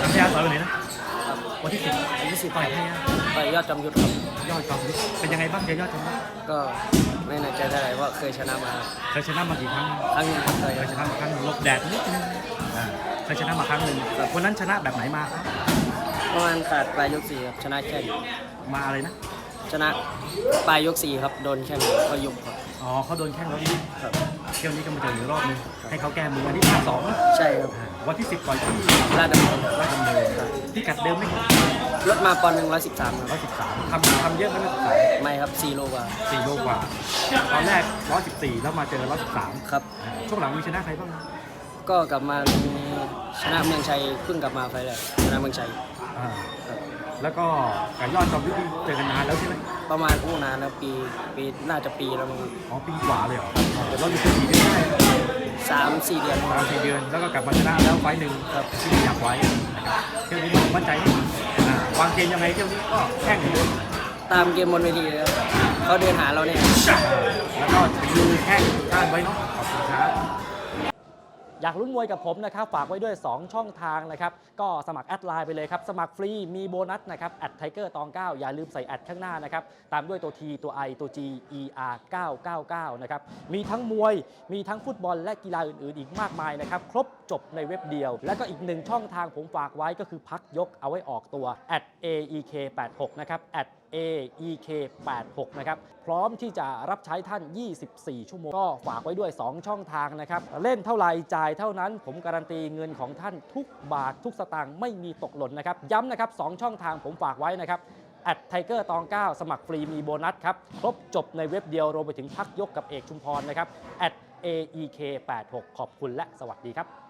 พัทยาต่อยวันไหนนะวันที่10ต่อยพัทยาต่อยยอดจอมยุทธครับยอดจอมยุทธเป็นยังไงบ้างเจอยอดจอมยุทธก็ไม่แน่ใจเท่าไหร่ว่าเคยชนะมาครับเคยชนะมากี่ครั้งครั้งหนึงครับเคยเคยชนะมาครั้งหนึ่งหลบแดดนิดนึงเคยชนะมาครั้งหนึ่งวันนั้นชนะแบบไหนมาครับประมาณขาดปลายยก4ครับชนะแค่มาอะไรนะชนะปลายยก4ครับโดนแค่ก็ยุบครับอ๋อเขาโดนแข้งแล้วนี่ครับเที่ยวนี้ก็มาเจออีกรอบนึงให้เขาแก้มือวันที่2 ใช่ครับวันที่10ต่อยที่ลาดดำเนินที่กัดเดิมไหมลดมาปอนด์หนึ่ง113ครับ 113ทำเยอะไหม113 ไม่ครับ4 โลกว่า 4 โลกว่าตอนแรก114แล้วมาเจอ113 ครับช่วงหลังมีชนะใครบ้างก็กลับมาชนะเมืองชัยเพิ่งกลับมาไฟแรกชนะเมืองชัยแล้วก็กับยอดจอมยุทธเจอกันนานแล้วใช่ไหมประมาณนานแล้วปีน่าจะปีแล้วมั้งอ๋อปีกว่าเลยเหรอเดี๋ยวเราอยู่แค่4 เดือนได้ 3-4 เดือน 3-4 เดือนแล้วก็กลับมาชนะแล้วไฟล์หนึ่งครับที่อยากไว้นะครับเที่ยวนี้มั่นใจวางเกมยังไงเที่ยวนี้ก็แข่งเลยตามเกมบนเวทีเลยครับเขาเดินหาเราเนี่ยแล้วก็ดูแข่งก้านไว้เนาะขอบคุณครับอยากลุ้นมวยกับผมนะครับฝากไว้ด้วย2ช่องทางนะครับก็สมัครแอดไลน์ไปเลยครับสมัครฟรีมีโบนัสนะครับแอดไทเกอร์ตอง9อย่าลืมใส่แอดข้างหน้านะครับตามด้วยตัว T ตัว I ตัว G ER 999นะครับมีทั้งมวยมีทั้งฟุตบอลและกีฬาอื่นๆอีกมากมายนะครับครบจบในเว็บเดียวและก็อีก1ช่องทางผมฝากไว้ก็คือพักยกเอาไว้ออกตัว @aek86 นะครับ @aek86 นะครับพร้อมที่จะรับใช้ท่าน24 ชั่วโมงก็ฝากไว้ด้วย2ช่องทางนะครับเล่นเท่าไหร่จ่ายเท่านั้นผมการันตีเงินของท่านทุกบาททุกสตางค์ไม่มีตกหล่นนะครับย้ำนะครับ2ช่องทางผมฝากไว้นะครับไทเกอร์ตอง9สมัครฟรีมีโบนัสครับครบจบในเว็บเดียวรวมไปถึงพักยกกับเอกชุมพรนะครับ @aek86 ขอบคุณและสวัสดีครับ